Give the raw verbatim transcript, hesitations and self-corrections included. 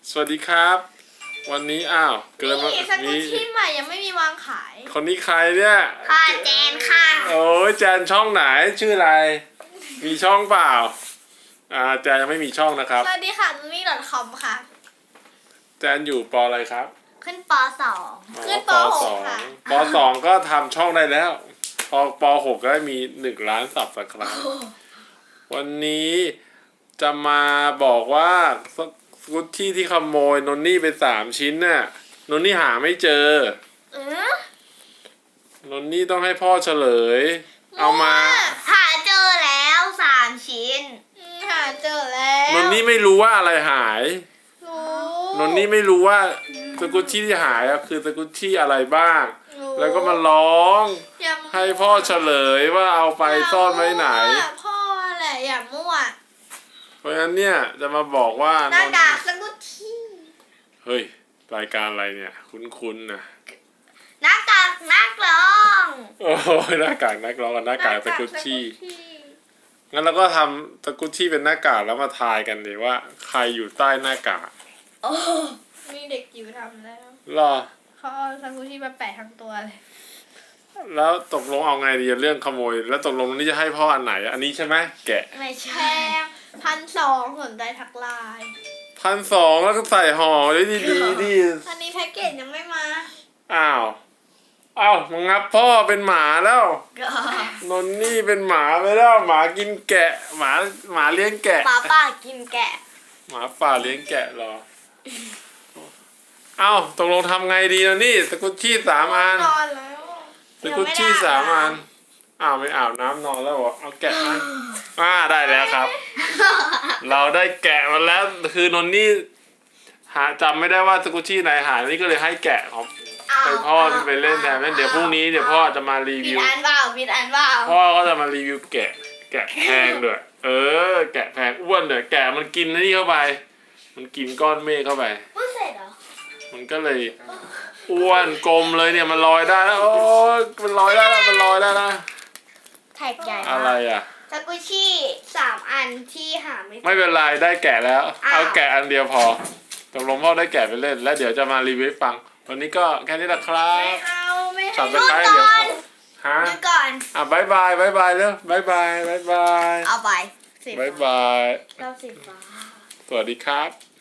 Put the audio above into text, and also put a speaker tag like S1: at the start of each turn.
S1: สวัสดีครับ วันนี้อ้าวเกิดมา
S2: นี่สกุชชี่ใหม่ยังไม่มีวางขาย
S1: คนนี้ใครเนี่ย
S2: ค่ะแจนค่ะ
S1: โอ้ยแจนช่องไหนชื่ออะไร มีช่องเปล่าอ่าแจนยังไม่มีช่องนะครับ
S2: สวัสดีค่ะนุ้ย .com ค่ะ
S1: แจนอยู่ปอะไรครับ
S2: ขึ้นปสอง
S1: อ๋อ
S2: ขึ้นป
S1: ป
S2: ห
S1: ส
S2: ก
S1: อง
S2: ค่ะ
S1: ปสองก็ทำช่องได้แล้วพอปหกก็ได้มีหนึ่งล้านสับสไครบ์วันนี้จะมาบอกว่าสกุตที่ที่ขโมยนนนี่ไปสามชิ้นน่ะนนนี่หาไม่เจอ
S2: เออน
S1: นนี่ต้องให้พ่อเฉลย เอามา
S3: หาเจอแล้วสามชิ้น
S2: อืมหาเจอแล้ว
S1: นนนี่ไม่รู้ว่าอะไรหาย
S2: รู้
S1: นนนี่ไม่รู้ว่าสกุตชี่ที่หายอะคือสกุตชี่อะไรบ้าง
S2: รู้
S1: แล้วก็มาร้อง
S2: อย่ามั่ว
S1: ให้พ่อเฉลยว่าเอาไปซ่อนไว้ไหน
S2: อย่ามั่วพ่อแหละอย่ามั่ว
S1: เพราะฉะนั้นเนี่ยจะมาบอกว่า
S2: หน้ากากสกุชชี่
S1: เฮ้ยรายการอะไรเนี่ย คุ้นๆนะ
S3: หน้ากากนักร้อง
S1: โอ้ยหน้ากากนักร้องกับหน้ากากสกุตชี่
S2: หน้ากากสกุชชี่
S1: งั้นเราก็ทำสกุตชี่เป็นหน้ากากแล้วมาทายกันดีว่าใครอยู่ใต้หน้ากาก
S3: โอ้
S2: มีเด็กจิ๋วทำแล้ว
S1: รอ
S2: เขาเอาสกุชชี่มาแปะทั้งตัวเลย
S1: แล้วตกลงเอาไงดีเรื่องขโมย แล้วตกลงนี่จะให้พ่ออันไหนอันนี้ใช่ไหมแกะ
S3: ไม่
S2: แพ
S3: ใช่
S2: งพันสองสนใจทักไลน์
S1: พันสองแล้วก็ใส่ห่อได้ดีดีดี
S2: อันนี้แพ็กเกจยังไม่มา
S1: อ้าวอ้าวมึงงับพ่อเป็นหมาแล้ว
S3: ก็
S1: นนนี่เป็นหมาไปแล้วหมากินแกะ หมาหมาเลี้ยงแกะ
S3: หมาป่ากินแกะ
S1: หมาป่าเลี้ยงแกะเหรอเอ้าตกลงทำไงดีนะนี่สกุชชี่สามอัน
S2: นอนแล้ว
S1: สกุชชี่สามอันอ้าวไม่อาบน้ำนอนแล้วเหรอเอาแกะมาอ่าได้แล้วครับ เราได้แกะมาแล้วคือนนนี่หาจำไม่ได้ว่าสกุชชี่ไหนหายนี่ก็เลยให้แกะของไปพ่อไปเล่นแทนเดี๋ยวพรุ่งนี้เดี๋ยวพ่อจะมารี
S3: ผิ
S1: วิ
S3: ด
S1: ว
S3: อันเปล่าผิดอันเปล่า
S1: พ่อก็จะมารีวิวแกะ แกะแพงด้วยเออ แกะแพงอ้วนเลยแกะมันกินนี่เข้าไป มันกินก้อนเมฆเข้าไป
S3: พูดเสร็จเหรอ
S1: มันก็เลยอ้วนกลมเลยเนี่ยมันลอยได้แล้วโอ้ยมันลอยได้แล้วมันลอยได้แล้ว
S3: แท็กใหญ่
S1: อะไร
S3: มาก
S1: อ่ะ
S3: สกุชชี่สามอันที่หาไม่เจอ
S1: ไม่เป็นไรได้แกะแล้ว
S3: อ้าว
S1: เอาแกะอันเดียวพอตกลงพ่อได้แกะไปเล่น แล้วเดี๋ยวจะมารีวิวให้ฟัง วันนี้ก็แค่นี้แหละครั
S2: ไม่
S1: บ
S2: เอาไม่
S1: สั
S2: ให้
S1: บตะไคร้เดี๋ยวฮะ
S3: ดูก่อน
S1: อ่ะบายบายบายบายเร็วบายบายบายบาย
S3: เอาไปสี
S1: บาย
S3: ฟ้า
S1: บาย
S3: ชอบสีฟ้า
S1: สวัสดีครับ